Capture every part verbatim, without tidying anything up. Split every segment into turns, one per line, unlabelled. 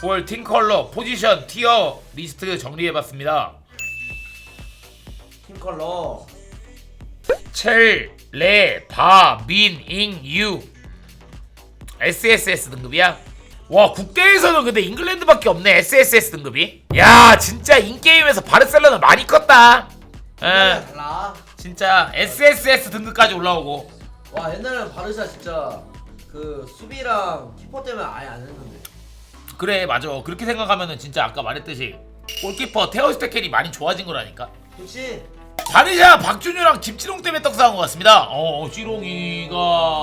구월 팀 컬러, 포지션, 티어 리스트 정리해봤습니다.
팀 컬러
첼, 레, 바, 민, 잉, 유 에스에스에스 등급이야? 와 국대에서는 근데 잉글랜드밖에 없네. 에스에스에스 등급이. 야 진짜 인게임에서 바르셀로나 많이 컸다. 에
달라.
진짜 에스에스에스 등급까지 올라오고.
와 옛날에는 바르샤 진짜 그 수비랑 키퍼 때문에 아예 안 했는데.
그래 맞아. 그렇게 생각하면은 진짜 아까 말했듯이 골키퍼 테오 스테켄이 많이 좋아진 거라니까.
그렇지.
바르샤 박준효랑 김치롱 때문에 떡상한 것 같습니다. 어 찌롱이가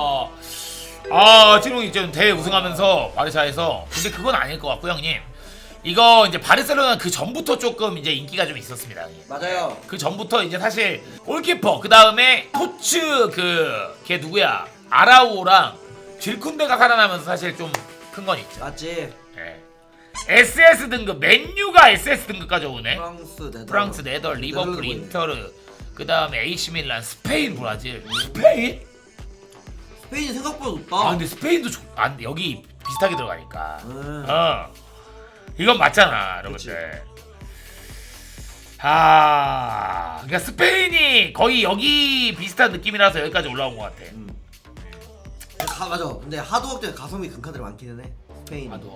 아 찌롱이 좀 대회 우승하면서 바르샤에서. 근데 그건 아닐 것 같고 형님. 이거 이제 바르셀로나 그 전부터 조금 이제 인기가 좀 있었습니다. 형님.
맞아요.
그 전부터 이제 사실 골키퍼 그 다음에 토츠 그 걔 누구야 아라우오랑 질쿤데가 살아나면서 사실 좀 큰 건 있죠.
맞지.
네. 에스에스 등급 맨유가 에스에스 등급까지 오네.
프랑스 네덜.
프랑스, 네덜, 리버풀,
네덜란드.
인터르, 그 다음에 에이씨 밀란, 스페인, 브라질. 스페인?
스페인이 생각보다 높다.
아 근데 스페인도 좋... 아 근데 여기 비슷하게 들어가니까.
음.
어. 이건 맞잖아, 여러분들. 아, 그러니까 스페인이 거의 여기 비슷한 느낌이라서 여기까지 올라온 것 같아.
음. 가, 맞아. 근데 하드워크 때문에 가성비 금카들이 많기는 해. 스페인.
나도.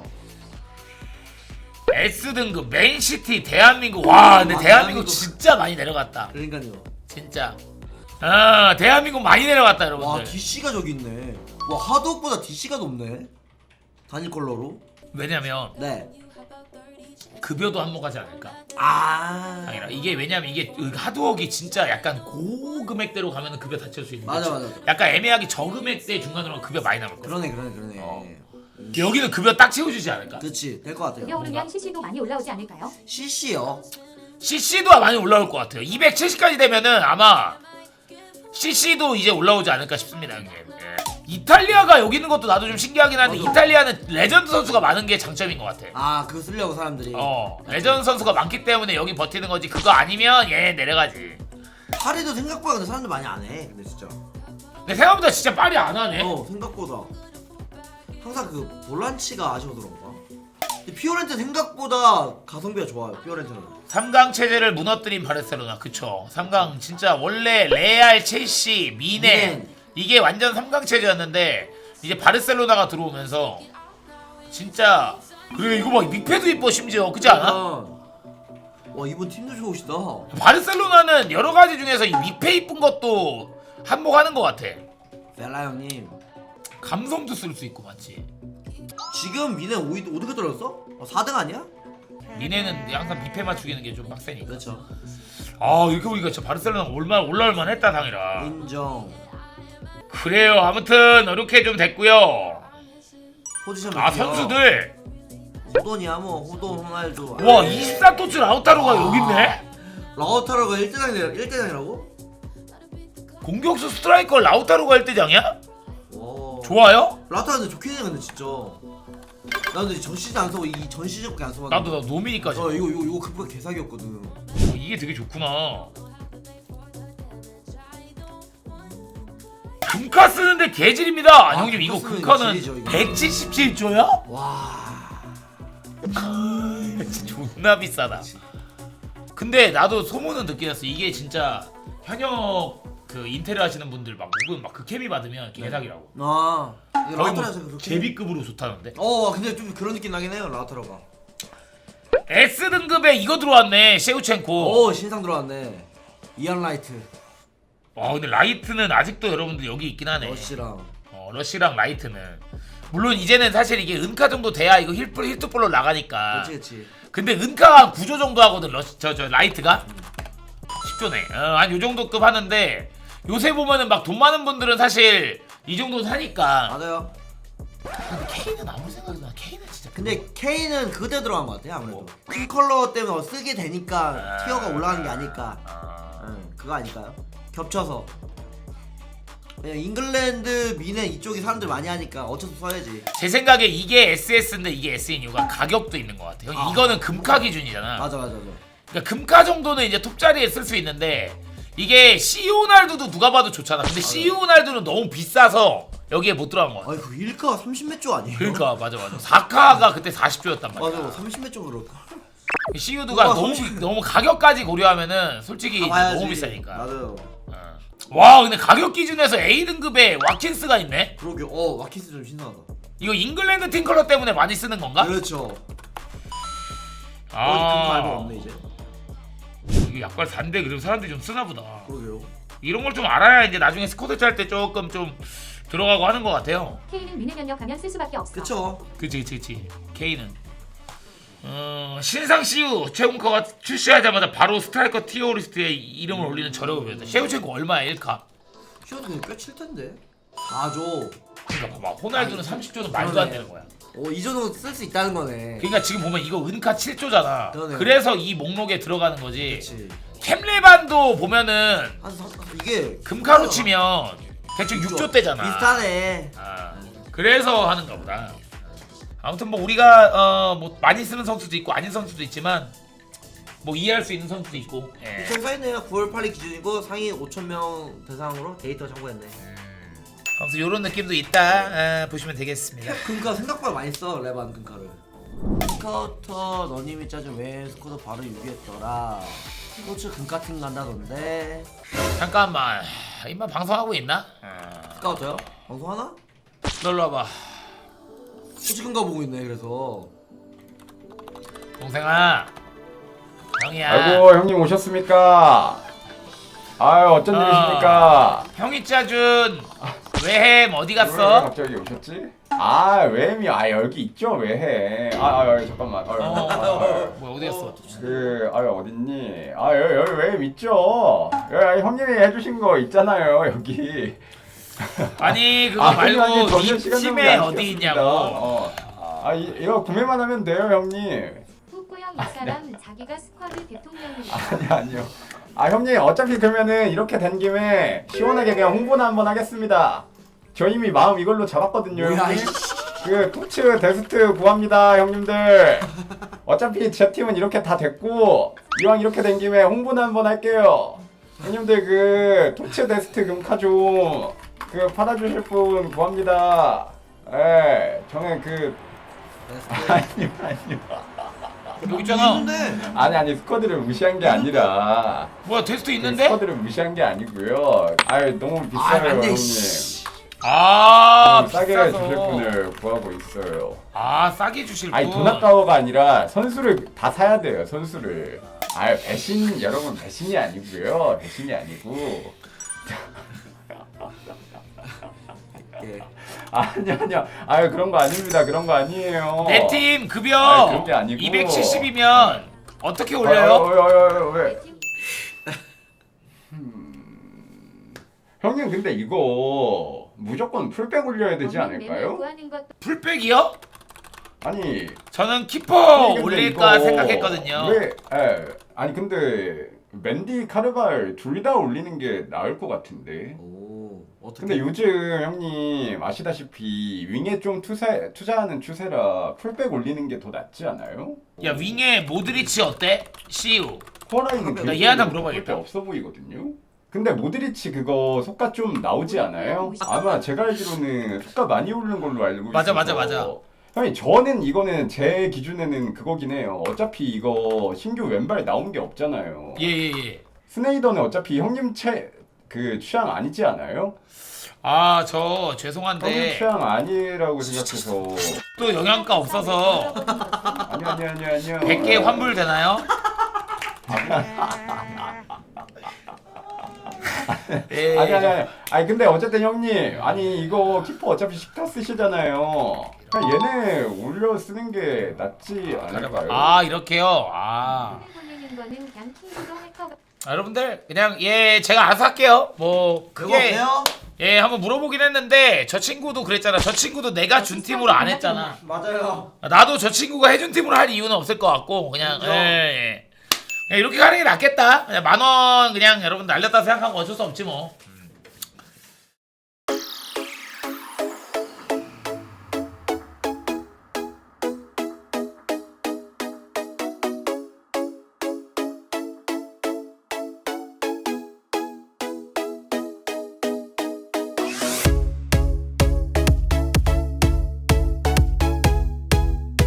S 등급 맨시티 대한민국. 와 근데
아,
대한민국
대한민국.
진짜 많이 내려갔다.
그러니까요.
진짜. 아 대한민국 많이 내려갔다
와
여러분들.
디씨가 저기 있네. 와 하드워크보다 디씨가 높네. 단일 컬러로.
왜냐면
네.
급여도 한몫하지 않을까.
아.
아니라 이게 왜냐면 이게 하드웍이 진짜 약간 고금액대로 가면 급여 다 채울 수 있는
맞아
거지.
맞아.
약간 애매하게 저금액대 중간으로 급여 많이 남을 거야.
그러네 그러네 그러네.
어. 여기는 급여 딱 채워주지 않을까.
그렇지 될 것 같아요.
급여 오르면 씨씨도 많이 올라오지 않을까요?
씨씨요.
씨씨도 많이 올라올 것 같아요. 이백칠십까지 되면은 아마 씨씨도 이제 올라오지 않을까 싶습니다 형님. 예. 이탈리아가 여기 있는 것도 나도 좀 신기하긴 한데
맞아.
이탈리아는 레전드 선수가 많은 게 장점인 것 같아.
아 그거 쓰려고 사람들이.
어 레전드 선수가 많기 때문에 여기 버티는 거지. 그거 아니면 얘 내려가지.
파리도 생각보다 근데 사람들 많이 안 해. 근데 진짜.
근데 생각보다 진짜 빨리 안 하네.
어 생각보다. 항상 그 볼란치가 아쉬워서 그런가. 근데 피오렌트 생각보다 가성비가 좋아요. 피오렌트는.
삼 강 체제를 무너뜨린 바르셀로나. 그쵸. 삼 강 진짜 원래 레알, 첼시, 미넨
미넨.
이게 완전 삼 강 체제였는데 이제 바르셀로나가 들어오면서 진짜. 그래 이거 막 믹패도 이뻐 심지어. 그렇지 않아?
와 이번 팀도 좋으시다.
바르셀로나는 여러 가지 중에서 이 믹패 이쁜 것도 한몫하는 것 같아.
벨라 형님.
감성도 쓸 수 있고 맞지.
지금 미네 오 등 떨어졌어? 어, 사 등 아니야?
미넨은 항상 믹패 맞추기는 게 좀 빡세니까.
그렇죠.
아 이렇게 보니까 진짜 바르셀로나 올만 올라올만 했다 당이라.
인정.
그래요. 아무튼 이렇게 좀 됐고요.
포지션
아
볼게요.
선수들.
호돈이야 뭐 호돈 호날두.
와
아이.
이십사 토츠 라우타로가
아.
여기 있네.
라우타로가 일 대장이라 일 대장이라고?
공격수 스트라이커 라우타로가 일 대장이야?
와.
좋아요?
라우타로 근데 좋긴 해 근데 진짜. 나 근데 전 시즌 안 쓰고 이 전 시즌밖에 안 써봤는데.
나도 나 노미니까지.
어 이거 이거 이거 급가 개사기였거든.
어, 이게 되게 좋구나. 금카 쓰는데 개질입니다. 아,
아,
형님 이거
금카 쓰는
금카는
질이죠, 이거.
백칠십칠 조야?
와.
진짜 존나 비싸다. 근데 나도 소문은 듣긴 했어. 이게 진짜 현역 그 인테리어 하시는 분들 막 누군 막 그 케미 받으면 개사기라고.
아. 이거
거의 뭐
라우타로에서 그렇게.
제비급으로 좋다는데.
어 근데 좀 그런 느낌 나긴 해요 라우타로가.
S 등급에 이거 들어왔네. 셰우첸코.
오 신상 들어왔네. 이안 라이트.
와 근데 라이트는 아직도 여러분들 여기 있긴 하네.
러시랑.
어, 러시랑 라이트는 물론 이제는 사실 이게 은카 정도 돼야 이거 힐플 힐투볼로 나가니까.
그렇지 그렇지.
근데 은카가 한 구 조 정도 하거든. 러시 저저 라이트가 십 조네. 어, 한 요 정도 급 하는데 요새 보면은 막 돈 많은 분들은 사실 이 정도 사니까.
맞아요.
근데 케인은 아무리 생각해도 난 케인은 진짜.
근데 K는 그대 들어간 것 같아 아무래도. 큰 컬러 때문에 쓰게 되니까
아.
티어가 올라가는 게 아닐까.
아...
응, 그거 아닐까요? 겹쳐서. 그냥 잉글랜드, 미네 이쪽이 사람들 많이 하니까 어쩔 수 없이 써야지.
제 생각에 이게 에스에스인데 이게 에스인 이유가 가격도 있는 것 같아요.
아.
이거는 금카 기준이잖아.
맞아 맞아 맞아.
그러니까 금카 정도는 이제 톱자리에 쓸 수 있는데 이게 씨오날두도 누가 봐도 좋잖아. 근데 씨오날두는 너무 비싸서 여기에 못 들어간 거 같아.
아니 그 일 카 삼십 몇 조 아니에요?
그러니까 맞아 맞아. 사 카가 그때 사십 조였단 말이야.
맞아 삼십 몇 조 그럴까?
씨유드가
우와,
너무
삼십.
너무 가격까지 고려하면은 솔직히 이제
가봐야지.
너무 비싸니까.
맞아요.
어. 와 근데 가격 기준에서 A 등급에 와킨스가 있네.
그러게 어 와키스 좀 신나다.
이거 잉글랜드 팀 컬러 때문에 많이 쓰는 건가?
그렇죠. 아.
아
말도 없네 이제.
이게 약간 산데 그래도 사람들이 좀 쓰나 보다.
그러게요.
이런 걸 좀 알아야 이제 나중에 스쿼드 짤 때 조금 좀 들어가고 하는 것 같아요.
K는 미네 면역하면 쓸 수밖에 없어.
그쵸.
그치 그치 그치. K는 어, 신상 씨유 최훈커가 출시하자마자 바로 스트라이커 티어 리스트에 이름을 올리는 저렴이었다. 셰우첸코 얼마야 일 카?
시어도 그냥 꽤 칠 텐데. 사 조.
그러니까 봐봐 호날두는 삼십 조는 말도 안 되는 거야.
어이 정도 쓸 수 있다는 거네.
그러니까 지금 보면 이거 은카 칠 조잖아.
그러네요.
그래서 이 목록에 들어가는 거지.
그렇지.
캠레반도 보면은
한 사, 이게
금카로 치면 대충 육 조 대잖아.
비슷하네.
아, 그래서 하는가 보다. 아무튼 뭐 우리가 어 뭐 많이 쓰는 선수도 있고 아닌 선수도 있지만 뭐 이해할 수 있는 선수도 있고. 예.
이천 사이네요. 구월 팔일 기준이고 상위 오천 명 대상으로 데이터 참고했네.
아무튼 이런 느낌도 있다. 아, 보시면 되겠습니다.
금카 생각보다 많이 써 레반 금카를. 스카우터 너님이 짜준 왜 스쿼드 바로 유기했더라. 스포츠 금카팀 간다던데.
잠깐만. 이만 방송하고 있나? 어.
스카우터요? 방송하나?
놀러 와봐.
스포츠 금카 보고 있네 그래서.
동생아. 형이야.
아이고 형님 오셨습니까? 아유 어쩐
어.
일이십니까?
형이 짜준 외햄 어디
왜
갔어?
갑자기 오셨지? 아 외햄이 아 여기 있죠 외햄. 아, 아, 아 잠깐만. 아유,
어,
아, 아유.
뭐야 어디 갔어?
그 아유 어딨니? 아 여기 여기 외햄 있죠. 여기 형님이 해주신 거 있잖아요 여기.
아니 그거
아, 형님,
말고
아니, 전혀
이
시간 낭비
팀에
안
어디
시켰습니다.
있냐고.
어. 아 이, 이거 구매만 하면 돼요 형님.
후쿠형 이 사람 자기가 스쿼드 대통령이야.
아니 아니요. 아 형님 어차피 그러면은 이렇게 된 김에 시원하게 그냥 홍보나 한번 하겠습니다. 저 이미 마음 이걸로 잡았거든요.
뭐야,
형님.
이씨.
그 토츠 데스트 구합니다 형님들. 어차피 제 팀은 이렇게 다 됐고 이왕 이렇게 된 김에 홍보나 한번 할게요. 형님들 그 토츠 데스트 금카 좀 그 팔아주실 분 구합니다. 예, 저는 그 아니요 아니요.
여기 있잖아.
있는데.
아니 아니 스쿼드를 무시한 게 아니라
뭐야 테스트
그
있는데?
스쿼드를 무시한 게 아니고요. 아유 너무 비싸요
아, 안 돼,
형님.
씨.
아
너무 싸게
비싸서.
주실 분을 구하고 있어요.
아 싸게 주실 분.
아니 돈 아까워가 아니라 선수를 다 사야 돼요 선수를. 아유 배신 여러분 배신이 아니고요 배신이 아니고.
예.
아니요 아니요 아유 그런 거 아닙니다 그런 거 아니에요.
내 팀 급여
아니, 그런 게 아니고.
이백칠십이면 어떻게
어,
올려요?
어, 어, 어, 어, 왜?
내 팀-
형님 근데 이거 무조건 풀백 올려야 되지
없는 맵을
않을까요?
구하는 것도
풀백이요?
아니
저는 키퍼
아니, 근데
올릴까
이거
생각했거든요.
왜? 에 아니 근데 맨디 카르발 둘 다 올리는 게 나을 것 같은데.
오 어떻게?
근데 요즘 형님 아시다시피 윙에 좀 투자 투자하는 추세라 풀백 올리는 게 더 낫지 않아요?
야 윙에 모드리치 어때? 씨유.
코라이는
나 얘한테 물어봐야겠다.
없어 보이거든요. 근데 모드리치 그거 속가 좀 나오지 않아요? 아마 제가 알기로는 속가 많이 오르는 걸로 알고
맞아,
있어서.
맞아, 맞아.
형님 저는 이거는 제 기준에는 그거긴 해요. 어차피 이거 신규 왼발 나온 게 없잖아요.
예예 예.
스네이더는 어차피 형님 채 그 취향 아니지 않아요?
아 저
형님
죄송한데
취향 아니라고 생각해서.
또 영양가 없어서
아니 아니 아니 아니요.
백 개 환불 되나요? 예.
아니 아니 아니. 아니 근데 어쨌든 형님 아니 이거 키퍼 어차피 식타 쓰시잖아요. 그냥 얘네 올려 쓰는 게 낫지 않을까요?
아 이렇게요. 아.
보내는 거는 그냥 킹으로 할 거.
아, 여러분들 그냥 예 제가 알아서 할게요. 뭐
그거
그게
어때요?
예 한번 물어보긴 했는데 저 친구도 그랬잖아. 저 친구도 내가 준 팀으로 안 했잖아.
맞아요.
나도 저 친구가 해준 팀으로 할 이유는 없을 것 같고 그냥
그죠?
예, 예. 그냥 이렇게 가는 게 낫겠다. 그냥 만 원 그냥 여러분 날렸다 생각하면 어쩔 수 없지 뭐.